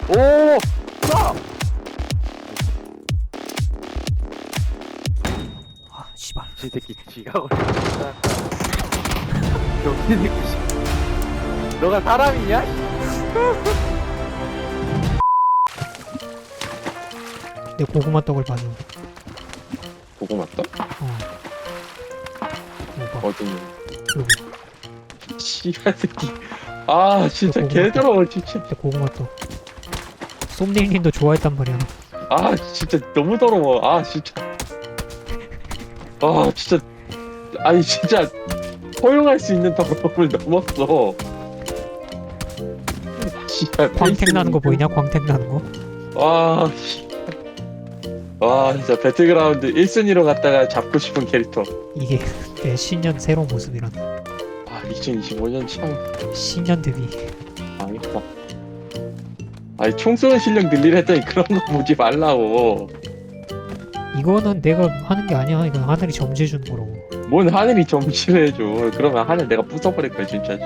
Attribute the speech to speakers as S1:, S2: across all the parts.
S1: 오! 쏴!
S2: 아 씨발.
S1: 이 새끼 지가 걸렸다. 병신 새끼 씨. 너가 사람이냐?
S2: 내 고구마 떡을 봐줘.
S3: 고구마 떡?
S2: 이거
S3: 어디?
S2: 여기
S3: 씨발 새끼. 아 진짜
S2: 고구마
S3: 개더러워 진짜.
S2: 내 고구마 떡. 쏨님님도 좋아했단 말이야.
S3: 아 진짜 너무 더러워. 아 진짜. 아 진짜. 아니 진짜 허용할 수 있는 더러움을 넘었어. 씨발.
S2: 광택 나는 거 보이냐? 광택 나는 거?
S3: 와. 와 진짜 배틀그라운드 1순위로 갔다가 잡고 싶은 캐릭터.
S2: 이게 내 신년 새로운 모습이란.
S3: 아 2025년 참
S2: 신년 데뷔.
S3: 망했다. 아니 총 쏘는 실력 늘리려 했더니 그런 거 보지 말라고.
S2: 이거는 내가 하는 게 아니야. 이건 하늘이 점지해 주는 거라고.
S3: 뭔 하늘이 점치를 해줘. 그러면 하늘 내가 부숴버릴 거야 진짜.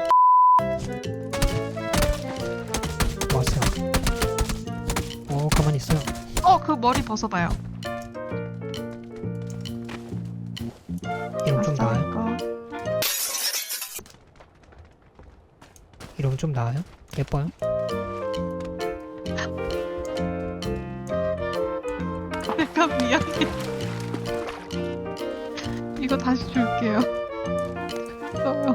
S2: 왔어요. 가만히 있어요.
S4: 그 머리 벗어봐요.
S2: 이러면 좀 나아요?
S4: 이거.
S2: 이러면 좀 나아요? 예뻐요?
S4: 약간 미안해. 이거 다시 줄게요. 써요.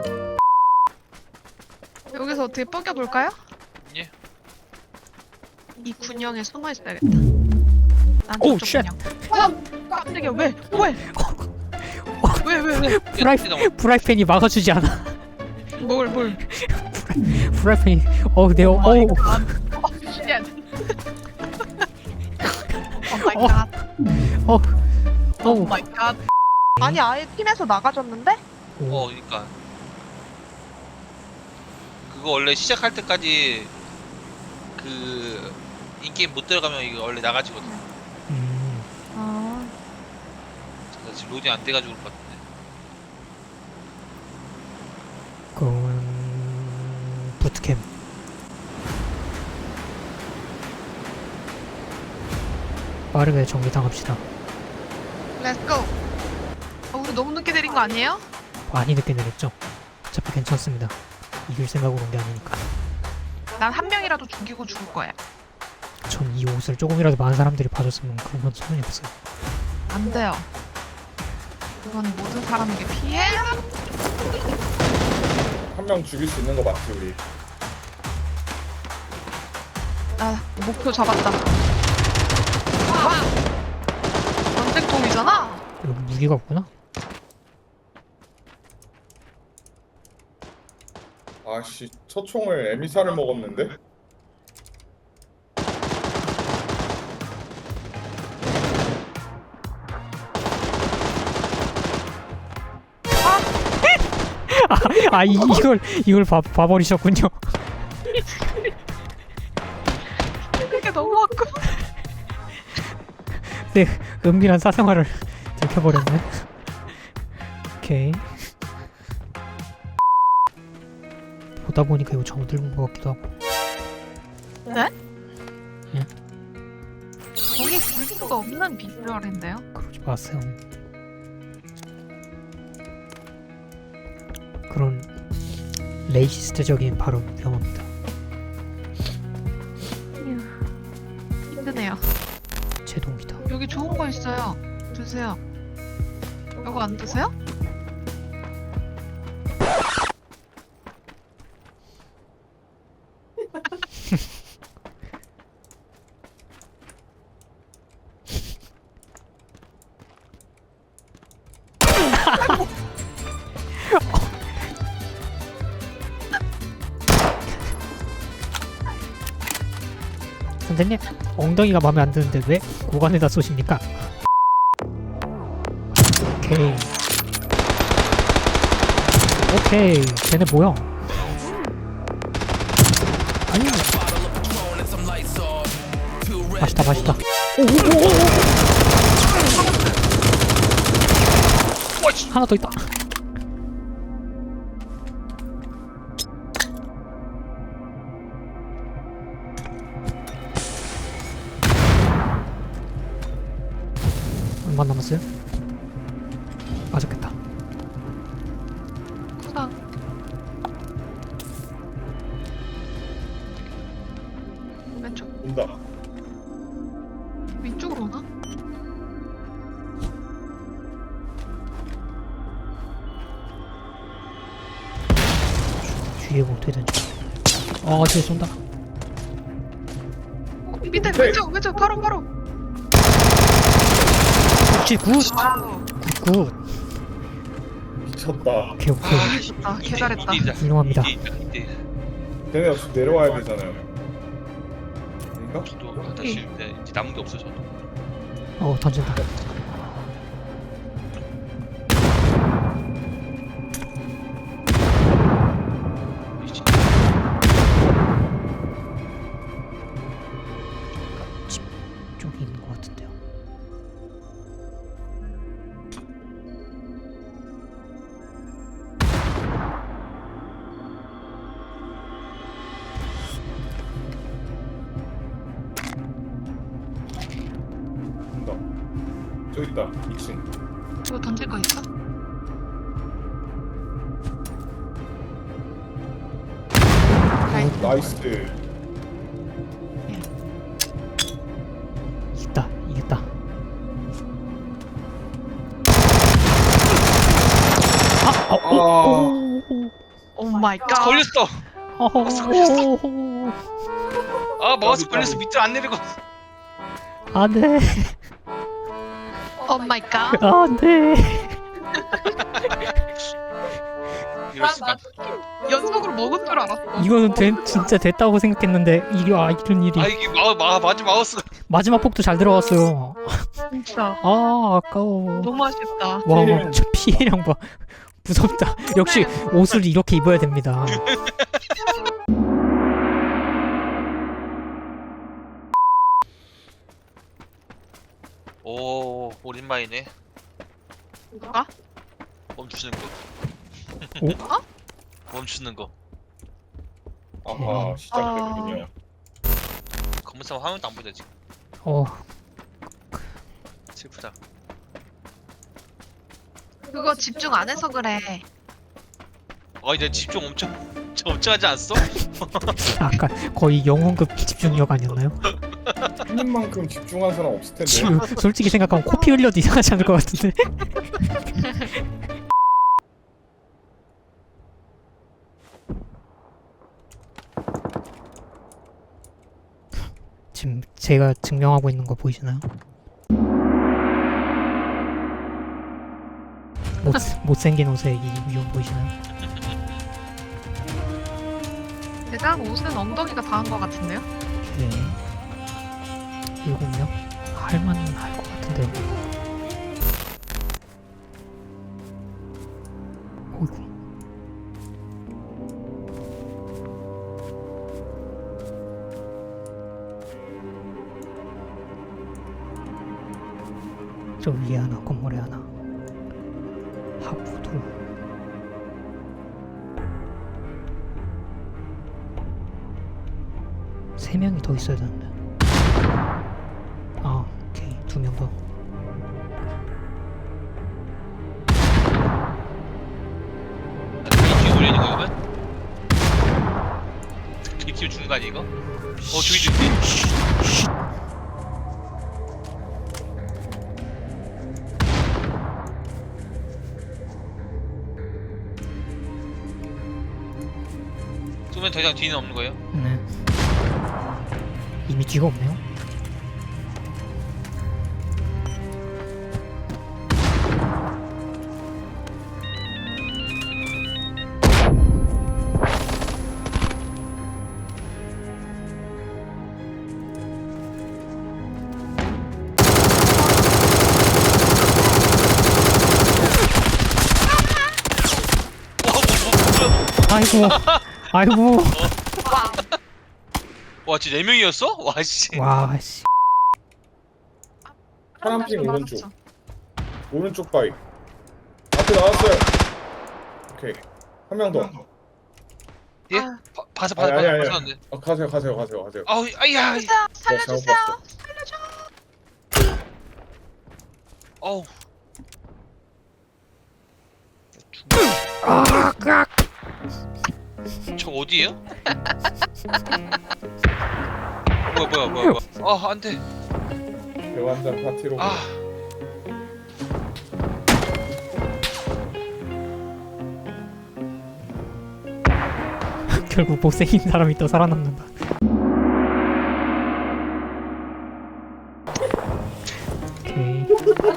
S4: 여기서 어떻게 뻐겨볼까요?
S5: 예.
S4: 이 군형에 숨어 있어야겠다. 난
S2: 오우,
S4: 저쪽 군형. 깜짝이야. 왜? 왜?
S2: 프라이팬이 막아주지 않아.
S4: 뭘?
S2: 프라이팬이 내
S4: 오 마이
S2: 어우
S4: 갓. 쉣. 오 마이 갓. 오
S2: 어우
S4: 마이 갓. 아니 아예 팀에서 나가졌는데?
S5: 그러니까 그거 원래 시작할 때까지 그 인게임 못 들어가면 이거 원래 나가지거든.
S4: 아.
S5: 나 지금 로딩 안 돼가지고 그런 것 같은데.
S2: 그건 부트캠. 빠르게 정리당합시다.
S4: 렛츠고. 우리 너무 늦게 내린 거 아니에요?
S2: 많이 늦게 내렸죠? 어차피 괜찮습니다. 이길 생각으로 온 게 아니니까.
S4: 난 한 명이라도 죽이고 죽을 거야.
S2: 전 이 옷을 조금이라도 많은 사람들이 봐줬으면 그런 건 소용이 없어요.
S4: 안 돼요. 그건 모든 사람에게 피해.
S6: 한 명 죽일 수 있는 거 맞지 우리?
S4: 나 목표 잡았다. 와! 전쟁통이잖아.
S2: 여기 무기가 없구나?
S6: 아씨 첫 총을 에미사를 먹었는데?
S2: 이걸 봐버리셨군요.
S4: 그게 너무 아까.
S2: 네, 은밀한 사생활을 들켜버렸네. 오케이. 보다 보니까 이거 정들은 것 같기도 하고.
S4: 네?
S2: 예?
S4: 거기 불기가 없는 비주얼인데요?
S2: 그러지 마세요. 그런 레이시스트적인 발언 위험합니다.
S4: 힘드네요.
S2: 제 동기다.
S4: 여기 좋은 거 있어요. 드세요. 이거 안 드세요?
S2: 선생님, 엉덩이가 마음에 안 드는데 왜 고관에다 쏘십니까? 오케이. 쟤네 뭐야? 아니. 맛있다. 오오오오. 하나 더 있다. 중반 남았어요? 맞았겠다.
S4: 구상. 왼쪽.
S6: 온다.
S4: 위쪽으로 오나?
S2: 뒤에 뭐 어떻게 되는지. 뒤에 쏜다.
S4: 밑에
S6: 오케이.
S4: 왼쪽 바로.
S2: 그렇지, 굿!
S4: 와우.
S2: 굿!
S6: 미쳤다.
S2: 오케이, 오케이.
S4: 아 미쳤다. 개 잘했다.
S2: 훌륭합니다.
S5: 이때
S6: 걔네 역시 내려와야 되잖아요. 아닌가?
S5: 저도 다시 이제 남은 게 없어 저도.
S2: 던진다.
S5: 이제
S2: 쪽에 있는 것 같은데요.
S6: 온다. 저기 있다. 2층.
S4: 이거 던질 거 있어?
S6: 나이스.
S2: 이겼다.
S4: 오 마이 갓.
S5: 걸렸어. 아 마우스 걸려서
S6: 까비.
S5: 밑으로 안 내리고.
S2: 안돼.
S4: 오 마이 갓.
S2: 안돼.
S5: 이럴 수가.
S4: 연속으로 먹은 줄 알았어.
S2: 이거는 진짜 됐다고 생각했는데 이런 일이.
S5: 아 이게 마우스.
S2: 마지막 폭도 잘 들어갔어요.
S4: 진짜
S2: 아까워.
S4: 너무 아쉽다.
S2: 와, 저 피해량 봐. 무섭다. 역시 옷을 이렇게 입어야 됩니다.
S5: 오 오랜만이네.
S4: 누가?
S5: 멈추는 거.
S2: 오?
S5: 멈추는 거.
S6: 아하, 시작됐군요.
S5: 검은 싸움 화면도 안 보여 지금. 슬프다.
S4: 그거 집중 안 해서 그래.
S5: 이제 집중 엄청 하지 않았어?
S2: 아까 거의 영혼급 집중력 아니었나요?
S6: 형님만큼 집중한 사람 없을 텐데.
S2: 지금 솔직히 생각하면 코피 흘려도 이상하지 않을 것 같은데. 지금 제가 증명하고 있는 거 보이시나요? 못생긴 옷의 이 위험 보이시나요?
S4: 대장 옷은 엉덩이가 다 한 거 같은데요?
S2: 오케이. 7명? 할만은 할 것 같은데요. 어이구. 저 위에 하나, 건물에 하나. 하부도. 세 명이 더 있어야 되는데. 오케이. 2명 더.
S5: 뒤에 올리는 거 이거면? 뒤에 주는 거 아니야 이거? 저기 뒤에. 쏘면 더 이상 뒤는 없는 거예요?
S2: 네. 이미 뒤가 없네요. 아이고. 아이고.
S5: 와 진짜 4명이었어? 와 씨.
S2: 와, 씨.
S6: 파란핑 오른쪽. 오른쪽 바위. 앞에 나왔어요. 오케이. 한 명 더.
S5: 예?
S4: 아.
S5: 봐서
S6: 아니, 아니, 아니.
S5: 봤었는데.
S6: 가세요.
S5: 아우 아야.
S4: 살려주세요.
S6: 네, 잘못
S4: 살려주세요.
S6: 봤어.
S5: 어우. 저 어디에요? 뭐야. 아, 안 돼.
S6: 대환장 파티로.
S5: 아.
S2: 결국 못생긴 사람이 또 살아남는다. 오케이.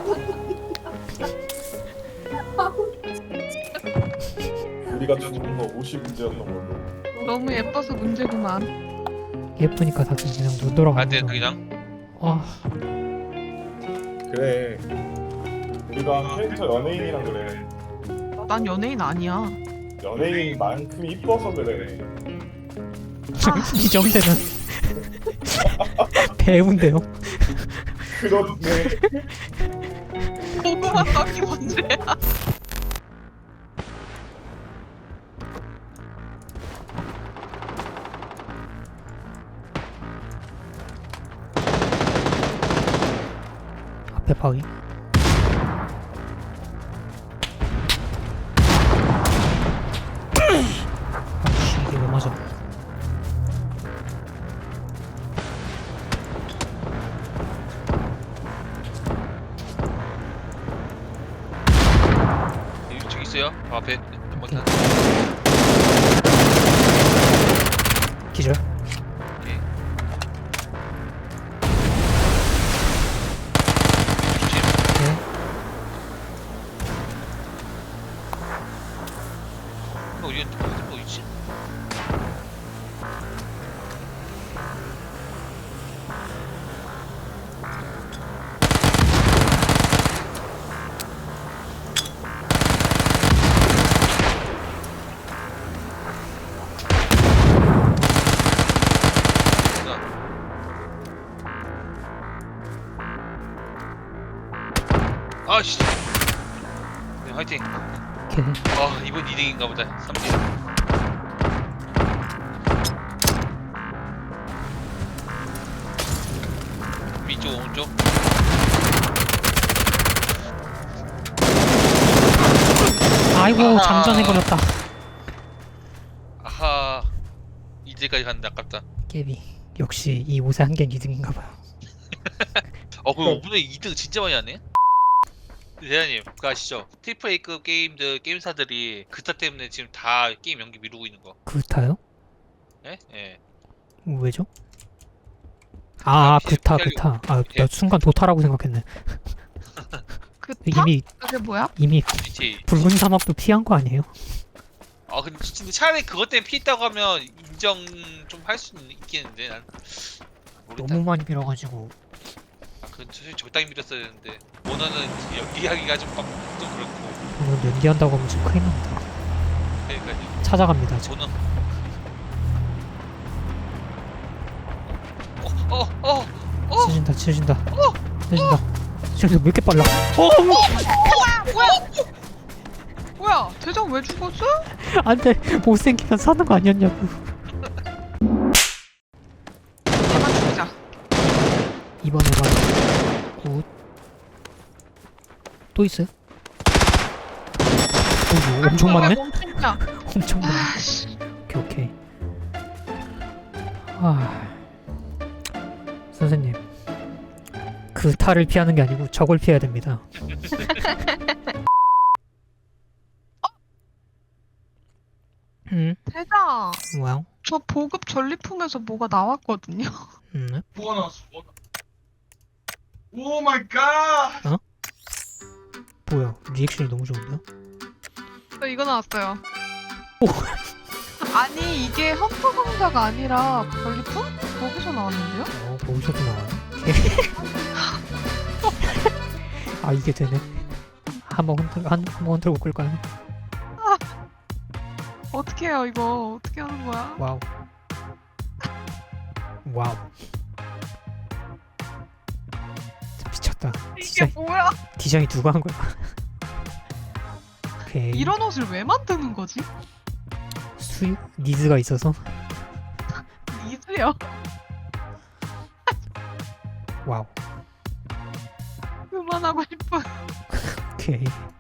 S6: 우리가 죽은 거 50문제였던 걸로.
S4: 너무 예뻐서 문제구만.
S2: 예쁘니까 다들 그냥 눈 돌아가는
S5: 안 돼,
S2: 거.
S5: 그냥.
S2: 아,
S6: 그래. 우리가 캐릭터 연예인이랑 그래.
S4: 난 연예인 아니야.
S6: 연예인만큼 이뻐서 그래.
S2: 이 정도는 배우인데요.
S6: 그렇네.
S4: 보고만 떡이 문제야.
S2: 앞에 바위. 아씨, 이게 왜 맞아?
S5: 저기 있어요. 앞에 한번 타.
S2: 기절.
S5: 오케이. 조심.
S2: 네.
S5: 어디 있지? 아씨. 네, 화이팅.
S2: 오케이.
S5: 아, 이번 2등인가 보다. 3등. 위쪽 오른쪽.
S2: 아이고,
S5: 아하.
S2: 장전해버렸다.
S5: 아하. 2등까지 갔는데 아깝다.
S2: 깨비. 역시 이 옷의 한계는 2등인가봐요.
S5: 그 5분에 2등 진짜 많이 하네. 대장님, 그거 아시죠? 트리플 A급 게임사들이 그타 때문에 지금 다 게임 연기 미루고 있는 거.
S2: 그타요?
S5: 예? 예.
S2: 왜죠? 아,
S5: 아,
S2: 그타. 아,
S5: 예.
S2: 나 순간 도타라고 생각했네.
S4: 그 타?
S2: 이미
S4: 그게 뭐야?
S5: GTA.
S2: 붉은 사막도 피한 거 아니에요?
S5: 아, 근데 차라리 그것 때문에 피했다고 하면 인정 좀 할 수 있겠는데 난 모르겠다.
S2: 너무 많이 밀어가지고.
S5: 아, 그건 사실 적당히 밀었어야 되는데 모너는 연기하기가 좀 그렇고.
S2: 오늘 연기한다고 하면 지금 큰일 납니다.
S5: 그러니까요.
S2: 찾아갑니다 지금.
S5: 모너.
S2: 치신다. 치신다. 왜 이렇게 빨라?
S4: 뭐야? 대장 왜 죽었어?
S2: 안돼, 못생기면 사는 거 아니었냐고.
S4: 얘만 죽이자.
S2: 이번에만 굿. 또 있어요? 오, 엄청 많네?
S4: 멈춘다.
S2: 엄청 많네.
S4: 아씨.
S2: 오케이. 아, 선생님, 그 탈을 피하는 게 아니고 적을 피해야 됩니다.
S4: 대장.
S2: 뭐야?
S4: 저 보급 전리품에서 뭐가 나왔거든요.
S6: 뭐가 나왔어? 오 마이 갓!
S2: 뭐야? 리액션이 너무 좋은데요?
S4: 저 이거 나왔어요.
S2: 오.
S4: 아니 이게 헌터 상자가 아니라 전리품? 거기서 나왔는데요?
S2: 거기서도 나와요? 아, 이게 되네. 한번 흔들고 끌까요?
S4: 어떻게 해요 이거? 어떻게 하는 거야?
S2: 와우. 미쳤다.
S4: 이게 뭐야?
S2: 디자인 누가 한 거야? 오케이.
S4: 이런 옷을 왜 만드는 거지?
S2: 수입 니즈가 있어서.
S4: 니즈요?
S2: 와우.
S4: 그만하고 싶어.
S2: 오케이.